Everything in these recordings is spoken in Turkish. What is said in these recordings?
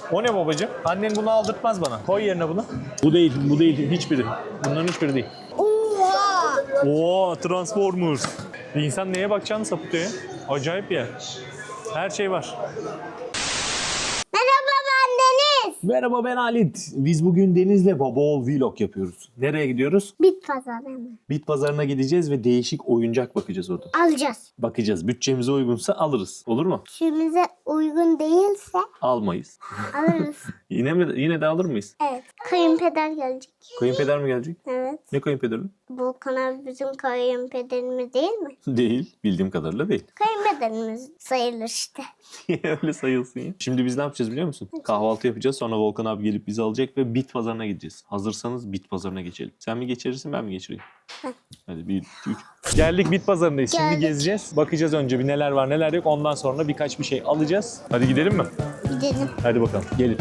O ne babacığım? Annen bunu aldırtmaz bana. Koy yerine bunu. Bu değil, bu değil. Hiçbiri. Bunların hiçbiri değil. Oha! Oo, Transformers. İnsan neye bakacağını sapıtıyor ya. Acayip bir yer. Her şey var. Merhaba, ben Deniz. Merhaba, ben Halit. Biz bugün Deniz'le baba oğul vlog yapıyoruz. Nereye gidiyoruz? Bit pazarı mı? Bit pazarına gideceğiz ve değişik oyuncak bakacağız orada. Alacağız. Bakacağız. Bütçemize uygunsa alırız. Olur mu? Şimize uygun değilse Almayız. alırız. Yine de alır mıyız? Evet. Kayınpeder gelecek. Kayınpeder mi gelecek? Evet. Ne kayınpederi? Volkan abi bizim kayınpederimiz değil mi? Değil. Bildiğim kadarıyla değil. Kayınpederimiz sayılır işte. Öyle sayılsın ya. Şimdi biz ne yapacağız biliyor musun? Kahvaltı yapacağız. Sonra Volkan abi gelip bizi alacak ve bit pazarına gideceğiz. Hazırsanız bit pazarına geçelim. Sen mi geçirirsin, ben mi geçireyim? Hadi 1, 2, 3. Geldik bit pazarındayız. Şimdi Geldik. gezeceğiz. Bakacağız önce bir neler var neler yok. Ondan sonra birkaç bir şey alacağız. Hadi gidelim mi? Gidelim. Hadi bakalım. Gelin.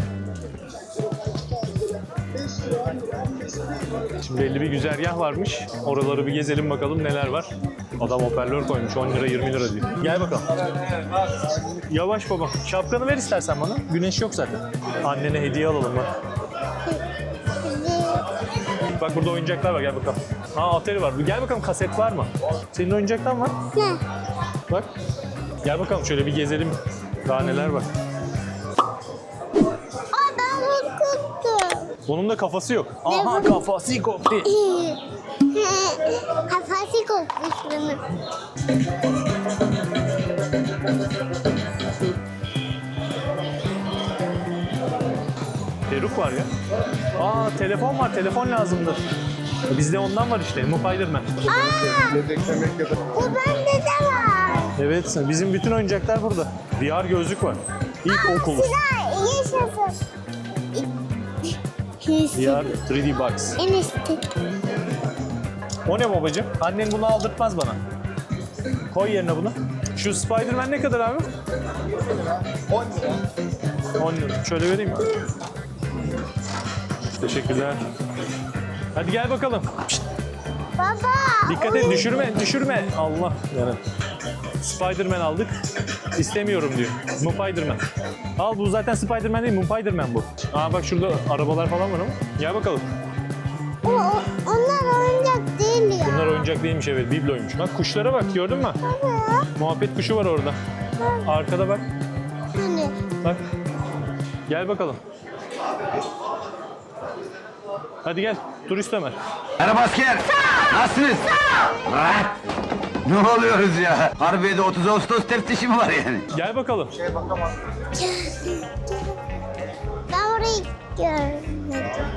Şimdi belli bir güzergah varmış. Oraları bir gezelim bakalım neler var. Adam hoparlör koymuş 10 lira 20 lira diyor. Gel bakalım. Yavaş baba. Şapkanı ver istersen bana. Güneş yok zaten. Annene hediye alalım bak. Bak burada oyuncaklar var, gel bakalım. Atari var. Gel bakalım, kaset var mı? Senin oyuncaktan var. Ne? Bak. Gel bakalım şöyle bir gezelim. Daha neler var. Aa, ben korkuttum. Bunun da kafası yok. Aha, kafası koptu. Kafası kopmuş bunun. Peruk var ya. Telefon var. Telefon lazımdır. Bizde ondan var işte. Spider-Man. Bu bende de var. Evet. Bizim bütün oyuncaklar burada. VR gözlük var. İlk okul. Sıra yaşasın. VR 3D Box. Enişte. O ne babacığım? Annen bunu aldırtmaz bana. Koy yerine bunu. Şu Spider-Man ne kadar abi? 10 lira. Şöyle vereyim mi? Teşekkürler. Hadi gel bakalım. Pişt, Baba. dikkat et, düşürme. Allah yani. Spider-Man aldık. İstemiyorum diyor. Spider-Man. Al, bu zaten Spider-Man değil, Spider-Man bu. Bak şurada arabalar falan var ama. Gel bakalım. Onlar oyuncak değil ya. Bunlar oyuncak değilmiş, evet, bibloymuş. Bak kuşlara bak, gördün mü? Muhabbet kuşu var orada. Arkada bak. Hani? Bak. Gel bakalım. Hadi gel. Turist Ömer. Merhaba asker. Nasılsınız? Rahat. Ne oluyoruz ya? Harbiye'de 30 Ağustos teftişi mi var yani? Gel bakalım. Ben orayı görmedim.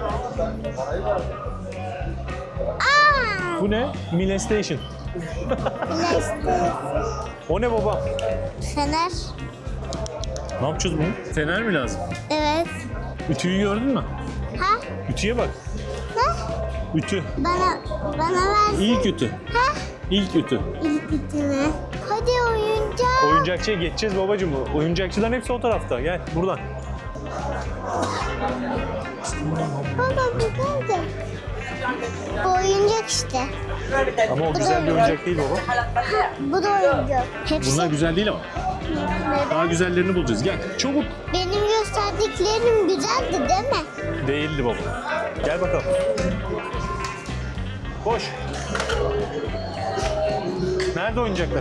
Aa! Bu ne? Milestation. Bilezikler. O ne baba? Fener. Ne yapacağız bunu? Fener mi lazım? Evet. Ütüyü gördün mü? Ha? Ütüye bak. Ha? Ütü. Bana versin. İlk ütü. Ha? İlk ütü. İlk bitimi. Hadi oyuncak. Oyuncakçıya geçeceğiz babacığım. Oyuncakçıların hepsi o tarafta. Gel buradan. Baba bu nerede? Bu oyuncak işte. Ama o güzel bir oyuncak değil baba. Bu da oyuncak. Hepsi. Bunlar güzel değil ama. Daha Neden? güzellerini bulacağız. Gel çabuk. Benim gösterdiklerim güzeldi değil mi? Değildi baba. Gel bakalım. Koş. Nerede oyuncaklar?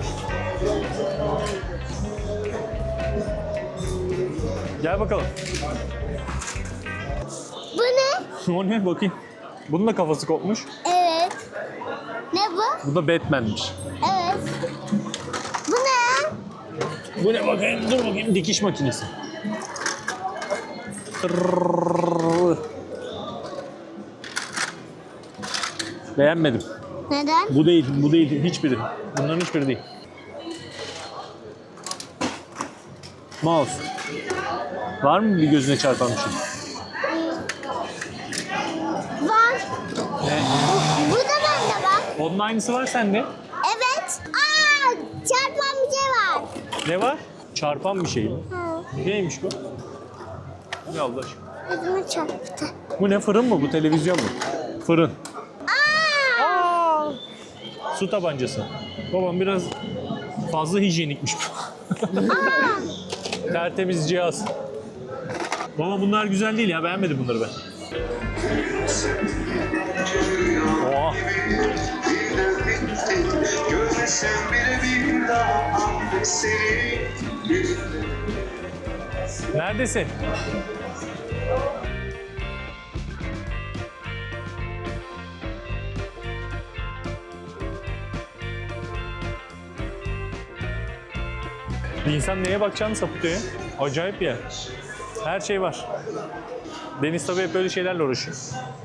Gel bakalım. Bu ne? O ne bakayım. Bunun da kafası kopmuş. Evet. Ne bu? Bu da Batman'miş. Evet. Bu ne? Bu ne bakayım? Dur bakayım. Dikiş makinesi. Tırrrr. Beğenmedim. Neden? Bu değil, bu değil. Hiçbiri. Bunların hiçbiri değil. Mouse. Var mı bir gözüne çarpan bir şey? Var. Bu da bende var. Onun aynısı var sende. Evet. Aa, çarpan bir şey var. Ne var? Çarpan bir şey mi? Ha, Neymiş bu? Ne Allah aşkına? gözüme çarptı. Bu ne, fırın mı bu, televizyon mu? Fırın. Aa! Su tabancası. Babam biraz fazla hijyenikmiş bu. Tertemiz cihaz. Baba bunlar güzel değil ya, beğenmedim bunları ben. Oha. Neredesin? Bir insan neye bakacağını sapıtıyor ya. Acayip bir yer. Her şey var. Deniz tabii hep böyle şeylerle uğraşıyor.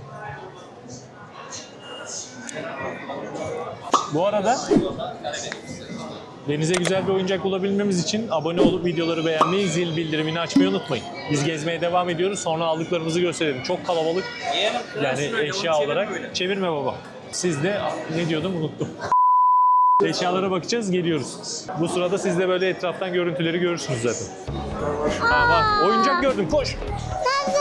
Bu arada Deniz'e güzel bir oyuncak bulabilmemiz için abone olup videoları beğenmeyi, zil bildirimini açmayı unutmayın. Biz gezmeye devam ediyoruz. Sonra aldıklarımızı gösterelim. Çok kalabalık. Yani eşya olarak. Çevirme baba. Siz de ne diyordum unuttum. Eşyalara bakacağız, geliyoruz. Bu sırada siz de böyle etraftan görüntüleri görürsünüz zaten. Ha bak, oyuncak gördüm, koş. Nerede?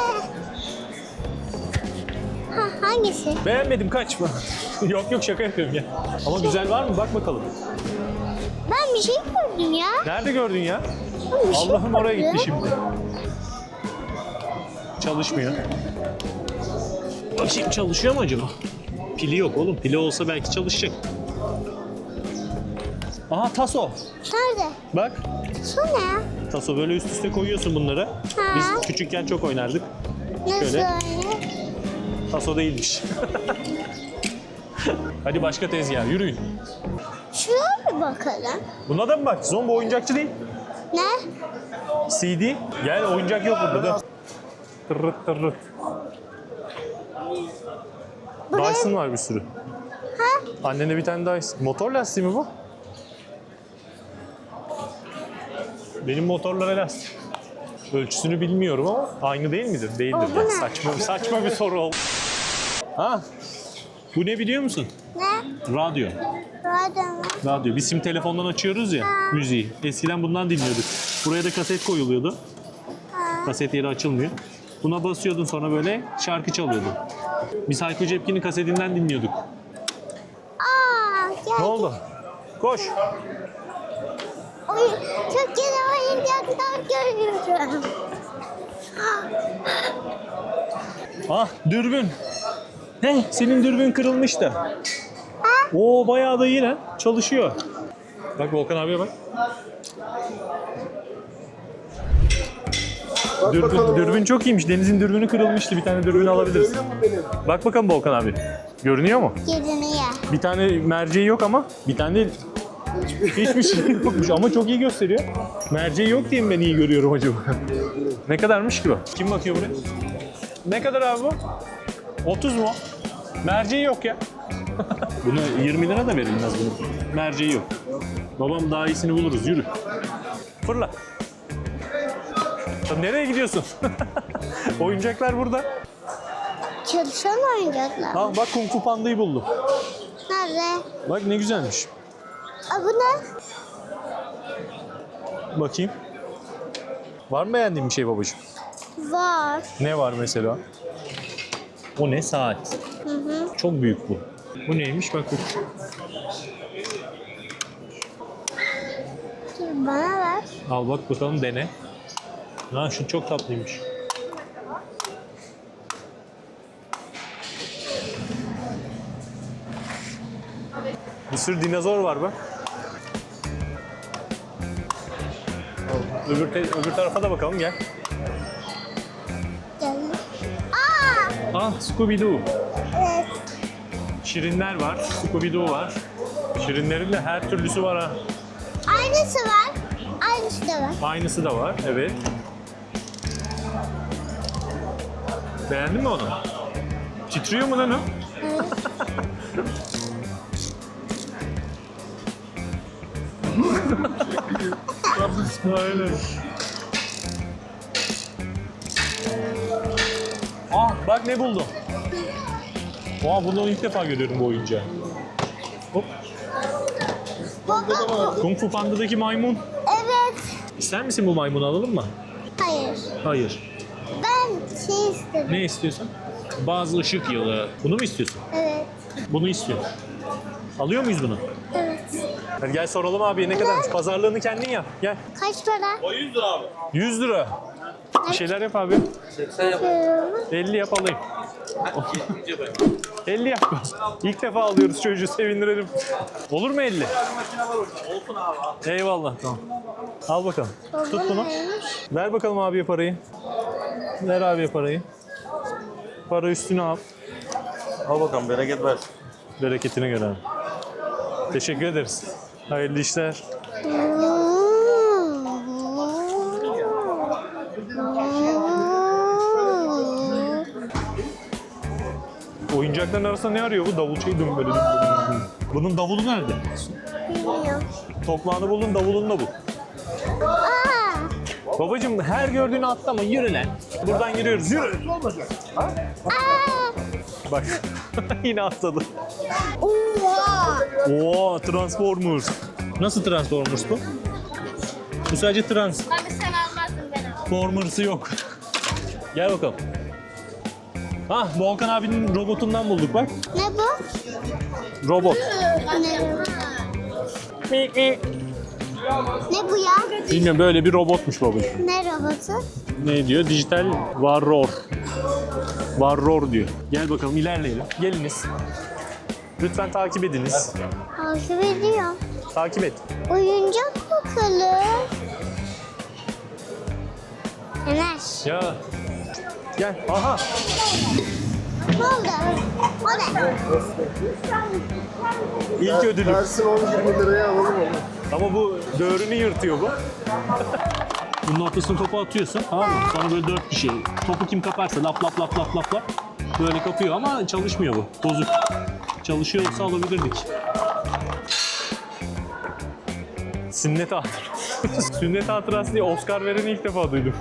Ha, hangisi? Beğenmedim, kaçma. Yok yok, şaka yapıyorum ya. Ama güzel var mı? Bak bakalım. Ben bir şey gördüm ya. Nerede gördün ya? Ben bir şey Allah'ım oraya gördüm. gitti şimdi. Çalışmıyor. Bakayım çalışıyor mu acaba? Pili yok oğlum. Pili olsa belki çalışacak. Aha taso. Nerede? Bak. Şu ne ya? Taso böyle üst üste koyuyorsun bunları. Biz küçükken çok oynardık. Nasıl Şöyle. öyle? Taso değilmiş. Hadi başka tezgah yürüyün. Şuraya bir bakalım. Buna da mı bak? Zombi oyuncakçı değil. Ne? CD. Gel, oyuncak yok burada da. Tırırt tırırt. Buraya- Dyson var bir sürü. Ha? Annene bir tane Dyson. Motor lastiği mi bu? Benim motorlara lastik. Ölçüsünü bilmiyorum ama aynı değil midir? Değildir. Aa, bu Yani. ne? Saçma bir soru oldu. Ha? Bu ne biliyor musun? Ne? Radyo. Radyo mu? Radyo. Biz şimdi telefondan açıyoruz ya müziği. Eskiden bundan dinliyorduk. Buraya da kaset koyuluyordu. Kaset yeri açılmıyor. Buna basıyordun, sonra böyle şarkı çalıyordu. Biz Hayko Cepkin'in kasetinden dinliyorduk. Aa, gel. Ne oldu? Koş. Çok güzel oyuncaklar görüyorum. Ah, dürbün. Ne? Senin dürbün kırılmış da. Oo, bayağı da iyi lan. Çalışıyor. Bak Volkan abiye bak. Dürbün çok iyiymiş. Deniz'in dürbünü kırılmıştı. Bir tane dürbün alabiliriz. Bak bakalım Volkan abi. Görünüyor mu? Görünüyor. Bir tane merceği yok ama bir tane hiçbir şey yokmuş ama çok iyi gösteriyor. Merceği yok diye mi ben iyi görüyorum acaba? Ne kadarmış ki bu? Kim bakıyor buraya? Ne kadar abi bu? 30 mu? Merceği yok ya. Bunu 20 lira da verilmez bunu. Merceği yok. Babam daha iyisini buluruz. Yürü. Fırla. Sen nereye gidiyorsun? Oyuncaklar burada. Çalışan oyuncaklar. Ha bak, Kung Fu Panda'yı buldum. Nerede? Bak ne güzelmiş. Aa, bu ne? Bakayım. Var mı beğendiğin bir şey babacığım? Var. Ne var mesela? O ne? Saat. Çok büyük bu. Bu neymiş? Bak bu. Dur bana ver. Al bak bakalım, dene. Ha, şu çok tatlıymış. Bir sürü dinozor var bak. Öbür tarafa da bakalım, gel. Gel. Aa! Ah, Scooby-Doo. Evet. Şirinler var, Scooby-Doo var. Şirinlerin de her türlüsü var ha. Aynısı var. Aynısı da var. Aynısı da var, evet. Beğendin mi onu? Titriyor mu lan o? Aynen. Ah, bak ne buldum. Oha, bunu ilk defa görüyorum bu oyuncağı. Hop. Baba. Kung Fu Panda'daki maymun. Evet. İster misin bu maymunu, alalım mı? Hayır. Hayır. Ben şey istedim. Ne istiyorsun? Bazı ışık yılı. Bunu mu istiyorsun? Evet. Bunu istiyorum. Alıyor muyuz bunu? Evet. Hadi gel soralım abiye ne kadarmış. Pazarlığını kendin yap. Gel. Kaç para? 100 lira. Bir şeyler yap abi. 50 yap alayım. 50 yap. İlk defa alıyoruz çocuğu, sevindirelim. Olur mu 50? Eyvallah, tamam. Al bakalım. Tut bunu. Ver bakalım abiye parayı. Ver abiye parayı. Para üstüne al. Al bakalım, bereket ver. Bereketine göre abi. Teşekkür ederiz. Hayırlı işler. Oyuncakların arasında ne arıyor bu? Davulçayı dön böyle. Bunun davulu nerede? Bilmiyorum. Toprağını buldun, davulunu da bul. Babacım her gördüğünü atlama, yürü lan. Buradan yürüyoruz, yürü. Bak, yine atladı. Oha. Oo, Transformers. Nasıl Transformers bu? Bu sadece Abi sen almazsın ben alırım. Transformers'ı yok. Gel bakalım. Hah, Volkan abinin robotundan bulduk bak. Ne bu? Robot. Ne? Ne bu ya? Bilmiyorum, böyle bir robotmuş babacığım. Ne robotu? Ne diyor? Dijital Warrior. Warrior diyor. Gel bakalım, ilerleyelim. Geliniz. Lütfen takip ediniz. Takip ediyor. Takip et. Oyuncak bakalım. Enes. Ya. Gel. Aha. Ne oldu? O ne? İlk ödülüm. Versin 10-20 liraya alalım onu. Ama bu döğrünü yırtıyor bu. Bunun ortasına topu atıyorsun, tamam mı? Sonra böyle 4 kişi. Topu kim kaparsa lap lap lap lap lap lap. Böyle kapıyor ama çalışmıyor bu. Bozuk. Çalışıyor olsa alabilirdik. Sünnet hatırası. Sünnet hatırası diye Oscar vereni ilk defa duydum.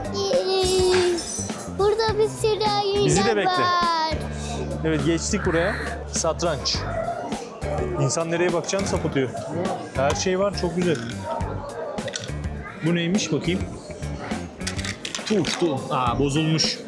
Burada bir sürü oyuncak Bizi de bekle. var. Evet, geçtik buraya. Satranç. İnsan nereye bakacağını sapıtıyor. Her şey var, çok güzel. Bu neymiş bakayım? Uçtu. Aa, bozulmuş.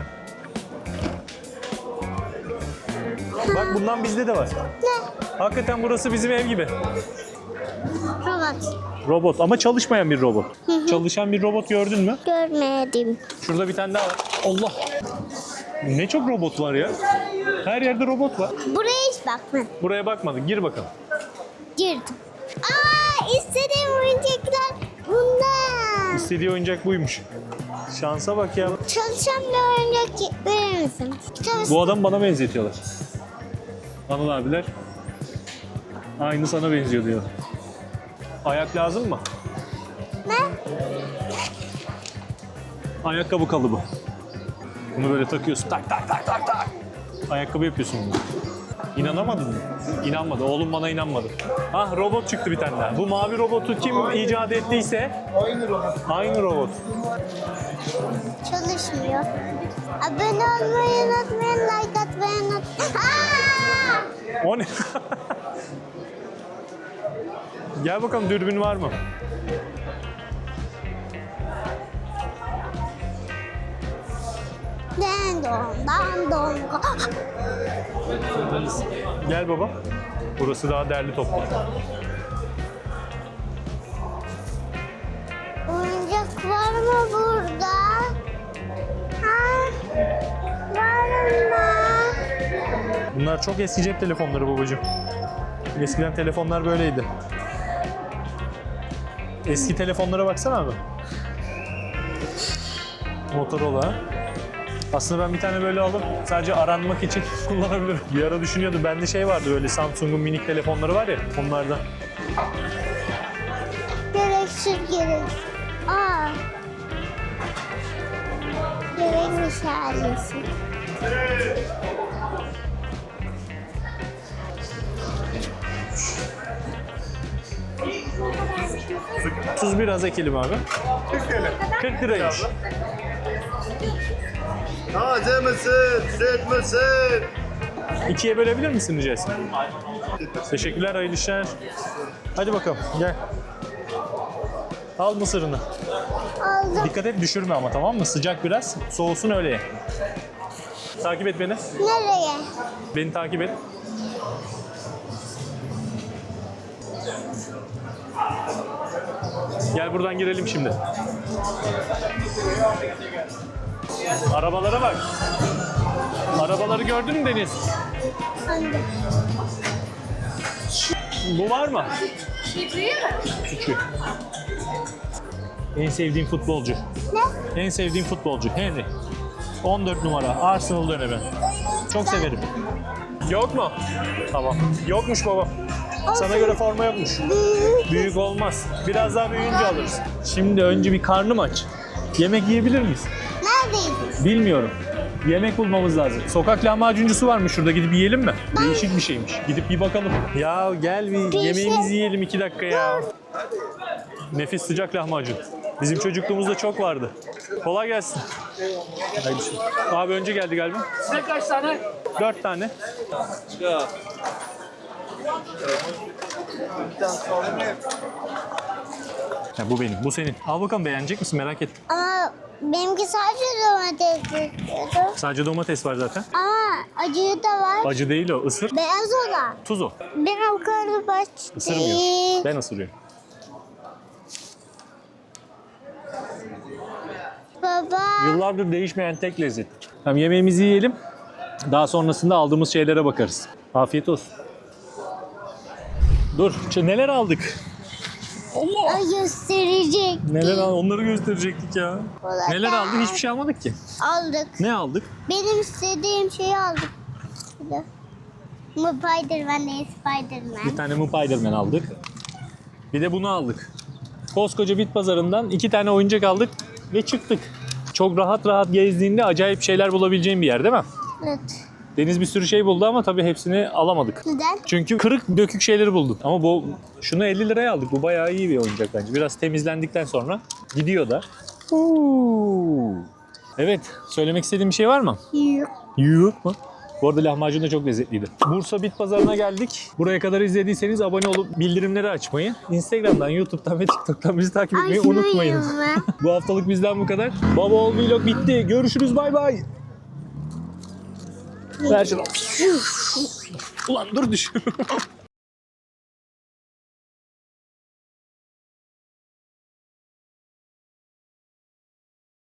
Bak, bundan bizde de var. Ne? Hakikaten burası bizim ev gibi. Robot. Robot ama çalışmayan bir robot. Çalışan bir robot gördün mü? Görmedim. Şurada bir tane daha var. Allah! Ne çok robot var ya. Her yerde robot var. Buraya hiç bakmadım. Buraya bakmadık. Gir bakalım. Girdim. Aa, istediğim oyuncaklar bunlar. İstediği oyuncak buymuş. Şansa bak ya. Çalışan bir oyuncak verir misin? Bu adam bana benzetiyorlar. Anıl abiler. Aynı sana benziyor diyor. Ayak lazım mı? Ne? Ayakkabı kalıbı. Bunu böyle takıyorsun. Tak tak tak tak tak. Ayakkabı yapıyorsun bunu. İnanamadın mı? İnanmadı. Oğlum bana inanmadı. Ah, robot çıktı bir tane daha. Bu mavi robotu kim icat ettiyse aynı robot. Çalışmıyor. Abone olmayı unutmayın, like atmayı unutmayın. Aa! O ne? Gel bakalım, dürbün var mı? Dan don, dan don. Gel baba. Burası daha derli toplu. Oyuncak var mı burada? Ha? Var mı? Bunlar çok eski cep telefonları babacığım. Eskiden telefonlar böyleydi. Eski telefonlara baksana abi. Motorola. Aslında ben bir tane böyle alıp sadece aranmak için kullanabilirim. Bir ara düşünüyordum. Bende şey vardı, böyle Samsung'un minik telefonları var ya, onlardan. Gereksiz gerek. Aa. Gerekmiş ailesi. Tuz biraz ekelim abi. 40 liraymış. Taze misin? Süt müsün? İkiye bölebilir misin rica etsem? Teşekkürler, hayırlı işler. Hadi bakalım, gel. Al mısırını. Aldım. Dikkat et, düşürme ama, tamam mı? Sıcak biraz, soğusun öyle ye. Takip et beni. Nereye? Beni takip et. Gel buradan girelim şimdi. Arabalara bak. Arabaları gördün mü Deniz? Hangi? Bu var mı? Küçük. En sevdiğim futbolcu. Ne? En sevdiğim futbolcu Henry. 14 numara Arsenal dönemi. Çok severim. Yok mu? Tamam. Yokmuş baba. Sana göre forma yokmuş. Büyük olmaz. Biraz daha büyüyünce alırız. Şimdi önce bir karnım aç. Yemek yiyebilir miyiz? Neredeydin? Bilmiyorum. Yemek bulmamız lazım. Sokak lahmacuncusu varmış şurada, gidip yiyelim mi? Değişik bir şeymiş. Gidip bir bakalım. Ya gel bir yemeğimizi yiyelim 2 dakika ya. Nefis sıcak lahmacun. Bizim çocukluğumuzda çok vardı. Kolay gelsin. Haydi. Abi önce geldi galiba. Size kaç tane? 4 tane. Ya bu benim, bu senin. Al bakalım, beğenecek misin, merak ettim. Ama benimki sadece domates istiyordu. Sadece domates var zaten. Ama acığı da var. Acı değil o, ısır. Beyaz olan. Tuz o. Ben o kadar baş Isırmıyor. değil. Ben ısırıyorum. Baba. Yıllardır değişmeyen tek lezzet. Tamam, yemeğimizi yiyelim. Daha sonrasında aldığımız şeylere bakarız. Afiyet olsun. Dur, neler aldık? O gösterecek. Neler aldık? Onları gösterecektik ya. Kolay Neler aldık? gelsin. Hiçbir şey almadık ki. Aldık. Ne aldık? Benim istediğim şeyi aldık. Şurada. Bu Spiderman değil, Spiderman. Bir tane Spider-Man aldık. Bir de bunu aldık. Koskoca bit pazarından 2 tane oyuncak aldık ve çıktık. Çok rahat rahat gezdiğinde acayip şeyler bulabileceğin bir yer değil mi? Evet. Deniz bir sürü şey buldu ama tabii hepsini alamadık. Neden? Çünkü kırık dökük şeyleri bulduk. Ama şunu 50 liraya aldık. Bu bayağı iyi bir oyuncak bence. Biraz temizlendikten sonra gidiyor da. Evet, söylemek istediğim bir şey var mı? Yok. Yok mu? Bu arada lahmacun da çok lezzetliydi. Bursa Bit Pazarı'na geldik. Buraya kadar izlediyseniz abone olup bildirimleri açmayı, Instagram'dan, YouTube'dan ve TikTok'tan bizi takip etmeyi unutmayın. Açmayın. Bu haftalık bizden bu kadar. Baba Ol Vlog bitti. Görüşürüz, bay bay. Ver şunu. Ulan dur, düşüyorum.